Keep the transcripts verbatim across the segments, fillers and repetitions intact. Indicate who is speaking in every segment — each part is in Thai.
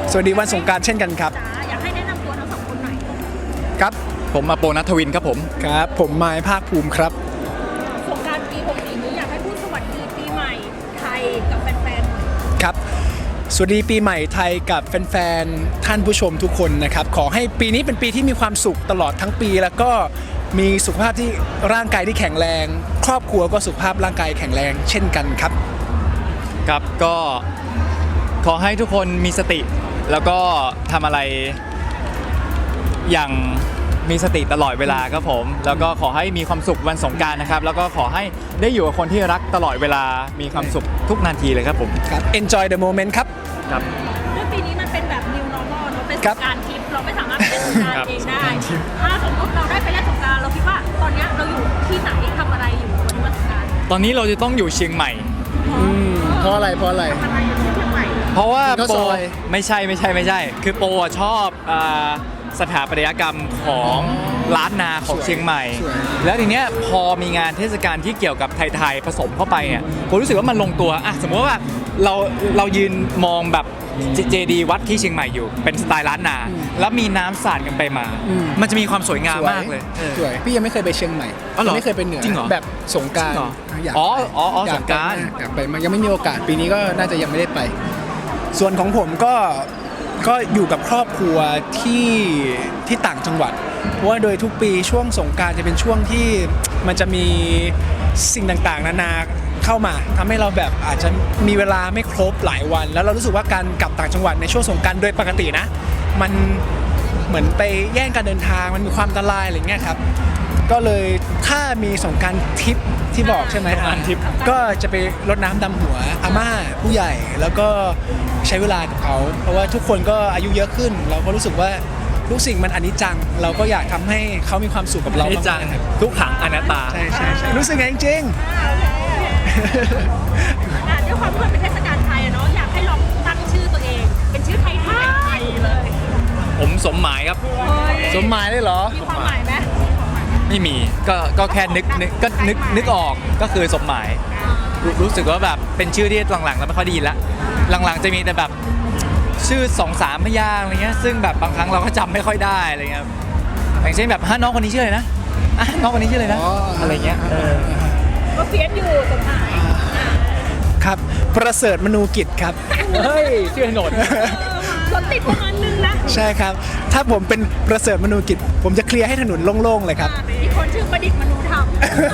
Speaker 1: สวัสดีวันสงกรานต์เช่นกันครับ
Speaker 2: อยากให้แนะนำตัวทั้งสองคนหน่อย
Speaker 1: ครับ
Speaker 3: ผมมาโปนัทวินครับผม
Speaker 1: ครับผมไม้ภาคภูมิครับ
Speaker 2: สงกรานต์ปีหกสี่นี้อยากให้พูดสวัสดีปีใหม่ไทยกับแฟนๆ
Speaker 1: ครับสวัสดีปีใหม่ไทยกับแฟนๆท่านผู้ชมทุกคนนะครับขอให้ปีนี้เป็นปีที่มีความสุขตลอดทั้งปีแล้วก็มีสุขภาพที่ร่างกายที่แข็งแรง ครอบครัวก็สุขภาพร่างกายแข็งแรงเช่นกันครับ
Speaker 3: ครับก็ขอให้ทุกคนมีสติแล้วก็ทำอะไรอย่างมีสติตลอดเวลาครับผมแล้วก็ขอให้มีความสุขวันสงกรานต์นะครับแล้วก็ขอให้ได้อยู่กับคนที่รักตลอดเวลามีความสุขทุกนาทีเลยครับผม
Speaker 1: ครับ enjoy the moment ครับ
Speaker 3: ครับ
Speaker 2: ด้วยปีนี้มันเป็นแบบ new normal เนอะเป็นสงกรานต์ทิพย์เราไม่สามารถไปเล่นสงกรานต์เองได้ถ้าสมมติเราได้ไปเล่นสงกรานต์เราคิดว่าตอนนี้เราอยู่ที่ไหนทำอะไรอยู่วันวันสงกรานต์
Speaker 3: ตอนนี้เราจะต้องอยู่เชียงใหม่
Speaker 1: เพราะอะไรเพราะอะไร
Speaker 2: อะไรอยู่ที่เชียงใหม่
Speaker 3: เพราะว่าโปไม่ใช่ไม่ใช่ไม่ใช่คือโปชอบสถาปัตยกรรมของล้านนาของเชียงใหม่แล้วทีเนี้ยพอมีงานเทศกาลที่เกี่ยวกับไทยๆผสมเข้าไปเนี่ยผมรู้สึกว่ามันลงตัวอ่ะสมมติว่าเราเรายืนมองแบบเจดีย์วัดที่เชียงใหม่อยู่เป็นสไตล์ล้านนาแล้วมีน้ำสาดกันไปมามันจะมีความสวยงามมากเลย
Speaker 1: สวยพี่ยังไม่เคยไปเชียงใหม่ไม่เคยไปเหนือแบบสงกรานต์
Speaker 3: อ๋ออ๋อสงกรานต์
Speaker 1: อยากไปมันยังไม่มีโอกาสปีนี้ก็น่าจะยังไม่ได้ไปส่วนของผมก็ก็อยู่กับครอบครัวที่ที่ต่างจังหวัดเพราะว่าโดยทุกปีช่วงสงกรานต์จะเป็นช่วงที่มันจะมีสิ่งต่างๆนานาเข้ามาทำให้เราแบบอาจจะมีเวลาไม่ครบหลายวันแล้วเรารู้สึกว่าการกลับต่างจังหวัดในช่วงสงกรานต์โดยปกตินะมันเหมือนไปแย่งการเดินทางมันมีความอันตรายอะไรเงี้ยครับก็เลยถ้ามีสงกรานต์ทิปที่บอกใช่ไหมอ่ะก็จะไปรดน้ำดำหัวอาม่าผู้ใหญ่แล้วก็ใช้เวลากับเขาเพราะว่าทุกคนก็อายุเยอะขึ้นเราก็รู้สึกว่าทุกสิ่งมันอนิจจังเราก็อยากทำให้เขามีความสุขกับเรา
Speaker 3: อนิจจังทุกขังอนัตตา
Speaker 1: ใช่ใช่ใช่รู้สึกไงจริง
Speaker 2: ๆด้วยความที่มันเป็นเทศกาลไทยเนาะอยากให้ลองตั้งชื่อตัวเองเป็นชื่อไทยไทยเลย
Speaker 3: ผมสมหมายครับ
Speaker 1: สมหมายได้เหรอ
Speaker 2: มีความหมายไหม
Speaker 3: ไม่มีก็ก็แค่นึกนึกก็นึกนึกออกก็คือสมหมายรู้สึกว่าแบบเป็นชื่อที่หลังๆแล้วไม่ค่อยดีละหลังๆจะมีแต่แบบชื่อสองสามพยางค์อะไรเงี้ยซึ่งแบบบางครั้งเราก็จำไม่ค่อยได้อะไรเงี้ยอย่างเช่นแบบฮะน้องคนนี้ชื่ออะไรนะอ่ะน้องคนนี้ชื่ออะไรนะอะไรเงี้ย
Speaker 2: ก็เฟียสอยู่สมหมาย
Speaker 1: ครับประเสริฐมนูกิจครับ
Speaker 3: เฮ้ยชื่อถนน
Speaker 2: รถติดประมาณนึงนะ
Speaker 1: ใช่ครับถ้าผมเป็นประเสริฐมนูกิจผมจะเคลียร์ให้ถนนโล่งๆเลยครับ
Speaker 2: อีกคนชื่อประดิษฐ์มนูธรรม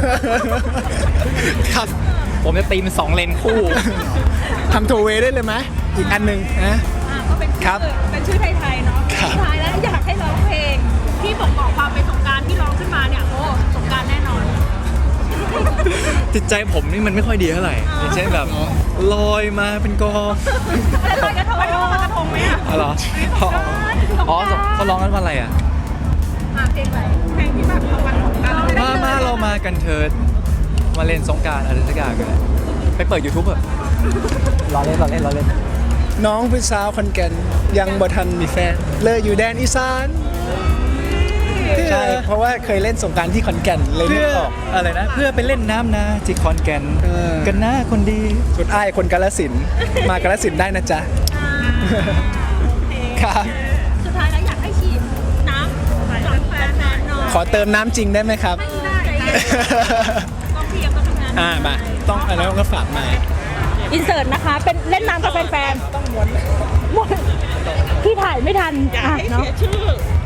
Speaker 1: ครับ
Speaker 3: ผมจะตีมันสองเลนคู่
Speaker 1: ทำโทเวได้เลยไหมอีกอันหนึ่งนะ
Speaker 2: ก็เป็นชื่อเป็นชื่อไทยๆเนาะสุดท้ายแล้วอยากให้ร้องเพลงที่บอกบอกความเป็นสงกรานต์ที่ร้องขึ้นมาเนี่ยโอ้สงกรานต์แน่นอน
Speaker 3: จิตใจผมนี่มันไม่ค่อยดีเท่าไหร่อย่างเช่นแบบลอยมาเป็นกอง
Speaker 2: ลอยกระทงลอยกระทงไหมอ่ะ
Speaker 3: อ๋อเหรออ๋อเขาร้องกันว่าอะไรอ่ะ
Speaker 2: เพลงอะไรเพลงที่แบบวันสงกรานต์
Speaker 3: มามาเรามากันเถิดมาเล่นสงกรานต์อะไรสักอย่างกันไปเปิด YouTube เถอะรอเล่นรอเล่นรอเล่น
Speaker 1: น้องเป็นสาวคนแก่นยังบ่ทันมีแฟนเลยอยู่แดนอีสานใช่เพราะว่าเคยเล่นสงกรานต์ที่ขอนแก่นเลยนึกออก
Speaker 3: อะไรนะเพื่อไปเล่นน้ำนาที่ขอนแก่นกันนะคนดี
Speaker 1: สุดอ้ายคนกาฬสินธุ์มากาฬสินธุ์ได้นะจ๊ะ
Speaker 2: ครับสุดท้ายแล้วอยากให้ฉีดน้ำหลังแฟนๆหน่อย
Speaker 1: ขอเติมน้ำจริงได้ไหมครับ
Speaker 2: ต้องเพียงต้องทำงาน
Speaker 1: อ่ามาต้องอะไรก็ฝากมา
Speaker 2: อินเสิร์ตนะคะเป็นเล่นน้ำกับแฟนๆต้องม้วนม้วนพี่ถ่ายไม่ทัน
Speaker 4: อยากให้เสียชื่อ